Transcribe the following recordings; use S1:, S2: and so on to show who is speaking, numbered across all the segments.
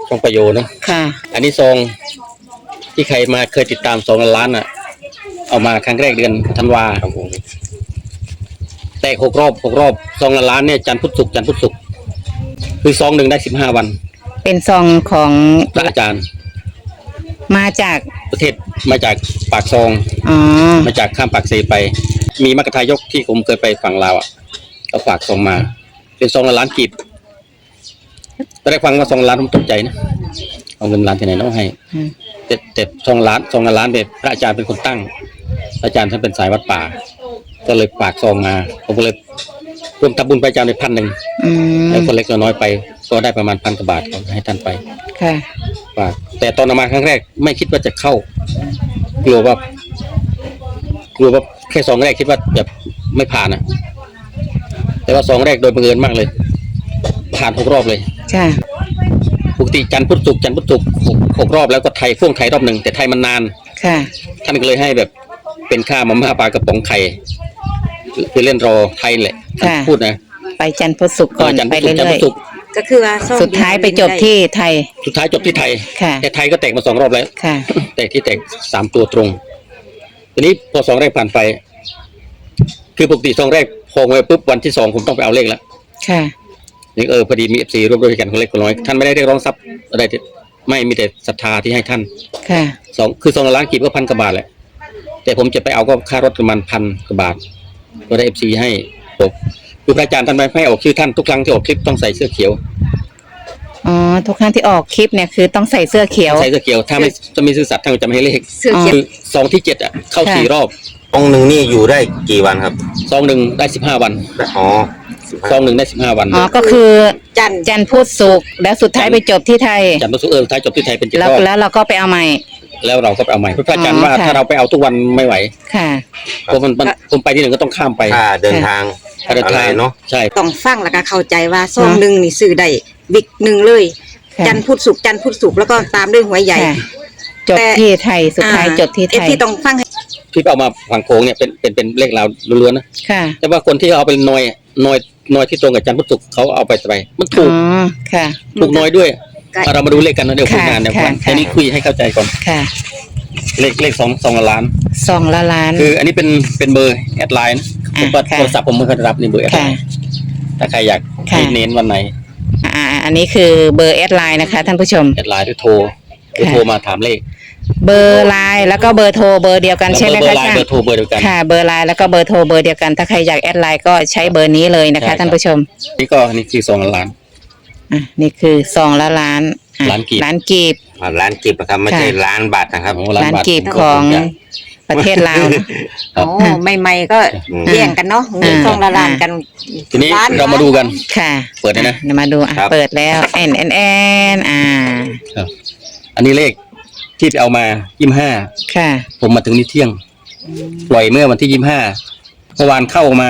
S1: ซองประโยชน์นะ
S2: ค่ะ
S1: อันนี้ซองที่ใครมาเคยติดตาม2 ล้านอ่ะเอามาครั้งแรกเดือนธันวาแต่6 รอบ2 ล้านเนี่ยจันทร์พุธศุกร์คือซองหนึ่งได้15 วัน
S2: เป็นซองของ
S1: พระอาจารย์
S2: มาจาก
S1: ประเทศมาจากปากซองมาจากข้ามปากเซไปมีมรรคทายกที่ผมเคยไปฝั่งลาวอ่ะเขาฝากซองมาเป็น2 ล้านกีบตอนแรกฟังว่า2 ล้านผมตกใจนะเอาเงินล้านที่ไหนน้องให้แต่2 ล้านแบบพระอาจารย์เป็นคนตั้งพระอาจารย์ท่านเป็นสายวัดป่าก็เลยฝากซองมาผมก็เลยร่วมทำบุญพระอาจารย์ไป1,000แล้วคนเล็กน้อยไปก็ได้ประมาณ1,000 กว่าบาทให้ท่านไป
S2: ค่ะ
S1: ฝากแต่ตอนเอามาครั้งแรกไม่คิดว่าจะเข้ากลัวว่าแค่2 แรกคิดว่าแบบไม่ผ่านนะแต่ว่า2 แรกโดยบังเอิญมากเลยผ่าน6 รอบเลย
S2: ค่ะ
S1: ปกติจันทร์พุธศุกร์6 รอบแล้วก็พ่วงไทยรอบ 1แต่ไทยมันนาน
S2: ค่ะ
S1: ท่านก็เลยให้แบบเป็นค่ามาม่าปลากระป๋องไข่คือเล่นรอไทยแหละพูดนะ
S2: ไปจันทร์พุธศุกร์ก่อนไปเรื่อย
S3: ๆก็คือว่า
S2: สุดท้ายไปจบที่ไทย
S1: แต่ไทยก็แตกมา2 รอบแล้วแตก3 ตัวตรงทีนี้พอ2 แรกผ่านไปคือปกติ2 แรกพอไว้ปุ๊บวันที่2ผมต้องไปเอาเลขแล้ว
S2: ค่ะ
S1: นี่พอดีมี FC ร่วมด้วยกันคนเล็กคนน้อยท่านไม่ได้เรียกร้องทรัพย์อะไรไม่มีแต่ศรัทธาที่ให้ท่าน
S2: ค่ะ
S1: คือ2 ล้านกีบก็1,000 กว่าบาทแหละแต่ผมจะไปเอาก็ค่ารถประมาณ1,000 กว่าบาทก็ได้ FC ให้ผมคือพระอาจารย์ท่านไม่ให้ออกชื่อท่านทุกครั้งที่ออกคลิปต้องใส่เสื้อเขียว
S2: ทุกครั้งที่ออกคลิปเนี่ยคือต้องใส่เสื้อเขียว
S1: ถ้าไม่จะมีซื่อสัตย์ท่านจะไม่ให้เลขคือซองที่7อ่ะเข้า4 รอบ
S4: ซองหนึ่งนี่อยู่ได้กี่วันครับ
S1: ซองหนึ่งได้15 วันซองหนึ่งได้15 วัน
S2: ก็คือจันทร์พุธศุกร์แล้วสุดท้ายไปจบที่ไทย
S1: จันทร์พุธศุกร์ท้ายจบที่ไทยเป็น7 รอบ
S2: แล้วเราก็ไปเอาใหม่
S1: แล้วเราก็ไปเอาใหม่เพราะพระอาจารย์ว่าถ้าเราไปเอาทุกวันไม่ไหว
S2: ค่ะ
S1: เพราะผมไปที่หนึ่งก็ต้องข้ามไป
S4: เดินทาง
S1: เนาะใช่
S3: ต้องฟังแล้วก็เข้าใจว่าซองหนึ่งนี่ซื้อได้วิกหนึ่งเลยจันทร์พุธศุกร์แล้วก็ตามด้วยหวยใหญ่
S2: จบที่ไทยสุดท้ายจบที่ไทย
S3: ที่ต้องฟัง
S1: ที่เอามาฝั่งโค้งเนี่ยเป็นเลขเราล้วนๆนะแต่ว่าคนที่เอาไปน้อยที่ตรงกับจันทร์พุธศุกร์เขาเอาไปมันถูกถูกน้อยด้วยเรามาดูเลขกันนะเดี๋ยวคุยงานเดี๋ยวอันนี้คุยให้เข้าใจก่อนเลข2 ล้าน
S2: 2 ล้าน
S1: คืออันนี้เป็นเบอร์แอดไลน์ผมก็โทรศัพท์ผมไม่เคยรับนี่เบอร์แอดไลน์ถ้าใครอยากเน้นวันไหน
S2: อันนี้คือเบอร์แอดไลน์นะคะท่านผู้ชม
S1: แอดไลน์หรือโทรมาถามเลข
S2: เบอร์ไลน์แล้วก็เบอร์โทรเบอร์เดียวกันใช่ไหมคะ
S1: เบอร์โทรเบอร์เดียวกัน
S2: ค่ะเบอร์ไลน์แล้วก็เบอร์โทรเบอร์เดียวกันถ้าใครอยากแอดไลน์ก็ใช้เบอร์นี้เลยนะคะท่านผู้ชม
S1: นี่คือ2 ล้าน
S2: นี่คือ2 ล้าน
S1: กีบ
S4: ล้านกีบนะครับไม่ใช่ล้านบาทนะครับ
S2: ล้านกีบของประเทศลาว
S3: ใหม่ๆก็แย่งกันเนาะเงิน2 ล้านกัน
S1: ทีนี้เรามาดูกัน
S2: ค่ะ
S1: เปิดนะ
S2: มาดูเปิดแล้วแอน
S1: อันนี้เลขที่ไปเอามา25
S2: ค่ะ
S1: ผมมาถึงนี่เที่ยงปล่อยเมื่อวันที่25เมื่อวานเข้ามา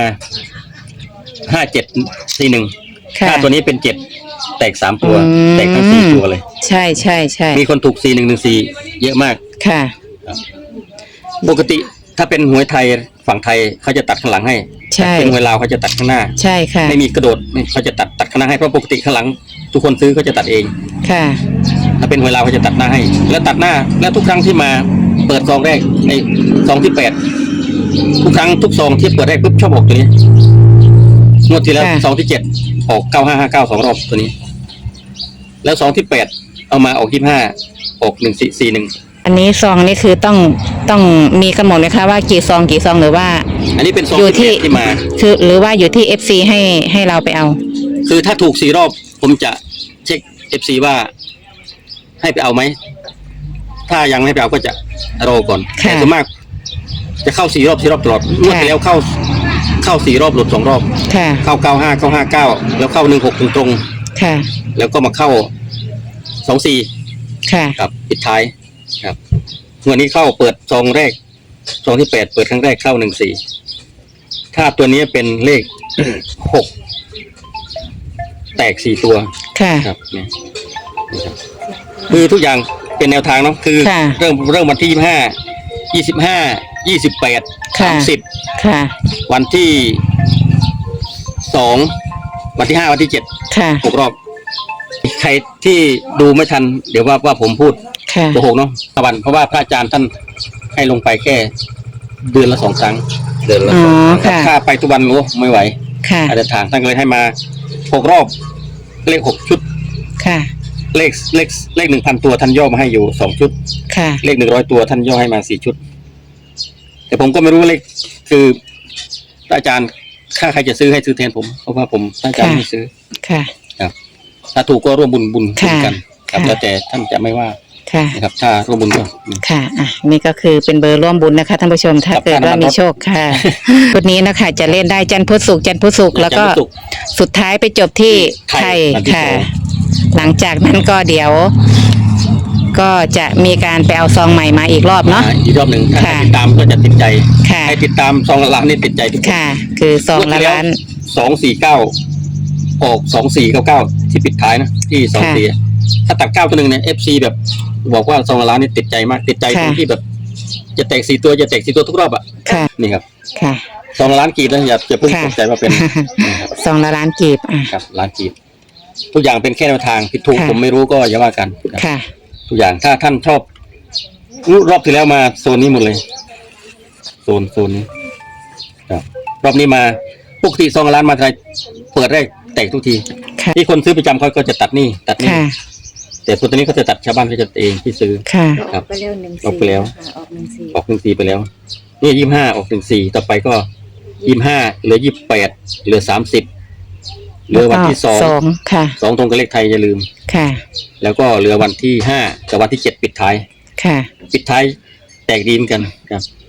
S1: 5741ถ้าตัวนี้เป็น7แตก3 ตัวแตกทั้ง4 ตัวเลย
S2: ใช่
S1: มีคนถูก4114เยอะมาก
S2: ค่ะ
S1: ปกติถ้าเป็นหวยไทยฝั่งไทยเขาจะตัดข้างหลังให้เป็นหวยลาวเขาจะตัดข้างหน้า
S2: ใช่ค่ะ
S1: ไม่มีกระโดดเขาจะตัดข้างหน้าให้เพราะปกติข้างหลังทุกคนซื้อเขาจะตัดเอง
S2: ค่ะ
S1: ถ้าเป็นหวยลาวเขาจะตัดหน้าให้แล้วตัดหน้าแล้วทุกครั้งที่มาเปิดซองแรกในซองที่8ทุกครั้งทุกซองที่เปิดแรกปุ๊บชอบออกตัวนี้งวดที่แล้วซองที่7ออก9559 2 รอบตัวนี้แล้วซองที่8เอามาออก25ออก1441
S2: อันนี้ซองนี่คือต้องมีกำหนดไหมคะว่ากี่ซองหรือว่า
S1: อันนี้เป็นซองที่มา
S2: คือหรือว่าอยู่ที่ FC ให้เราไปเอา
S1: คือถ้าถูก4 รอบผมจะเช็ค FC ว่าให้ไปเอาไหมถ้ายังไม่ไปเอาก็จะรอก่อนแต่ส่วนมากจะเข้า4 รอบตลอดงวดที่แล้วเข้า4 รอบหลุด2 รอบเข้า95เข้า59แล้วเข้า16ตรงแล้วก็มาเข้า24ครับปิดท้ายครับวันนี้เข้าเปิดซองแรกซองที่8เปิดครั้งแรกเข้า14ถ้าตัวนี้เป็นเลข6แตก4 ตัวครับเนี่ยคือทุกอย่างเป็นแนวทางเนาะคือเริ่มวันที่25 28 30วันที่2วันที่5วันที่7 6 รอบใครที่ดูไม่ทัน เดี๋ยวว่าผมพูด
S2: ค่ะ
S1: โกหกเนาะตะวันเพราะว่าพระอาจารย์ท่านให้ลงไปแค่เดือนละ2 ครั้ง
S4: เดินละ
S2: อ๋อ
S4: สอง
S2: ค่ะ
S1: ถ้าไปทุกวันโอ้ไม่ไหว
S2: ค่ะ
S1: อาจจะทางท่านก็เลยให้มา6 รอบเลข6 ชุด
S2: ค่ะ
S1: เลข 1,000 ตัวท่านย่อมาให้อยู่2 ชุด
S2: ค่ะ
S1: เลข100 ตัวท่านย่อให้มา4 ชุด แต่ผมก็ไม่รู้เลขคือพระอาจารย์ถ้าใครจะซื้อให้ซื้อแทนผมเพราะว่าผมพระอาจารย์ไม่ซื้อ
S2: ค่ะ
S1: ถ้าถูกก็ร่วมบุญ
S2: ค่ะ
S1: กันครับ
S2: ค่ะ
S1: แล้วแต่ท่านจะไม่ว่า
S2: ค่ะ
S1: นะครับ ถ้าร่วมบุญก็
S2: ค่ะ อ่ะ นี่ก็คือเป็นเบอร์ร่วมบุญนะคะท่านผู้ชม ถ้า
S1: ครับ
S2: เกิดว่ามีโชคค่ะ ชุดนี้นะคะ จะเล่นได้จันทร์พุธศุกร์จันทร์พุธศุกร์แล้วก็
S1: จันทร์พุธศุกร์
S2: สุดท้ายไปจบที่ไทย
S1: วันที่
S2: ค่ะ
S1: สอง
S2: หลังจากนั้นก็เดี๋ยว ก็จะมีการไปเอาซองใหม่มาอีกรอบเนาะ
S1: อีกรอบหนึ่งถ้า
S2: ค่ะ
S1: ใครติดตามก็จะติดใจ
S2: ค่ะ
S1: ให้ติดตามซองละล้านนี่ติดใจทุกคน
S2: ค่ะ คือซองละล้าน
S1: 249 ออก 2499 ที่ปิดท้ายนะที่24ถ้าตัด9 ตัวหนึ่งเนี่ย FC แบบบอกว่าซองละล้านนี่ติดใจมากติดใจตรง
S2: ค่ะ
S1: ที่แบบจะแตก4 ตัวจะแตก4 ตัวทุกรอบอ่ะ
S2: ค่ะ
S1: นี่ครับ
S2: ค่ะ
S1: ซองละล้านกีบนะอย่าเพิ่ง
S2: ค่ะ
S1: ตกใจว่าเป็น
S2: ซองละล้านกีบอ่ะ
S1: ครับล้านกีบทุกอย่างเป็นแค่แนวทางผิดถูก
S2: ค่ะ
S1: ผมไม่รู้ก็อย่าว่ากันครับ
S2: ค่ะ
S1: ทุกอย่างถ้าท่านชอบรอบที่แล้วมาโซนนี้หมดเลยโซนนี้ครับรอบนี้มาปกติซองละล้านมาไทยเปิดแรกแตกทุกที
S2: ค่ะ
S1: ที่คนซื้อประจำเขาก็จะตัดนี่
S2: ค่ะ
S1: แต่ตัวนี้เขาจะตัดชาวบ้านเขาจะเองที่ซื้อ
S2: ค่ะ
S1: ครับ
S3: ไปเร็ว1
S1: ออกไปแล้ว
S3: ออก1
S1: ออก14ไปแล้วนี่25ออก14ต่อไปก็25เหลือ28เหลือ30เหลือวันที่2
S2: ค่ะ
S1: 2ตรงกับเลขไทยอย่าลืม
S2: ค่ะ
S1: แล้วก็เหลือวันที่5กับวันที่7ปิดท้าย
S2: ค่ะ
S1: ปิดท้ายแตกดีเหมือนกันครับ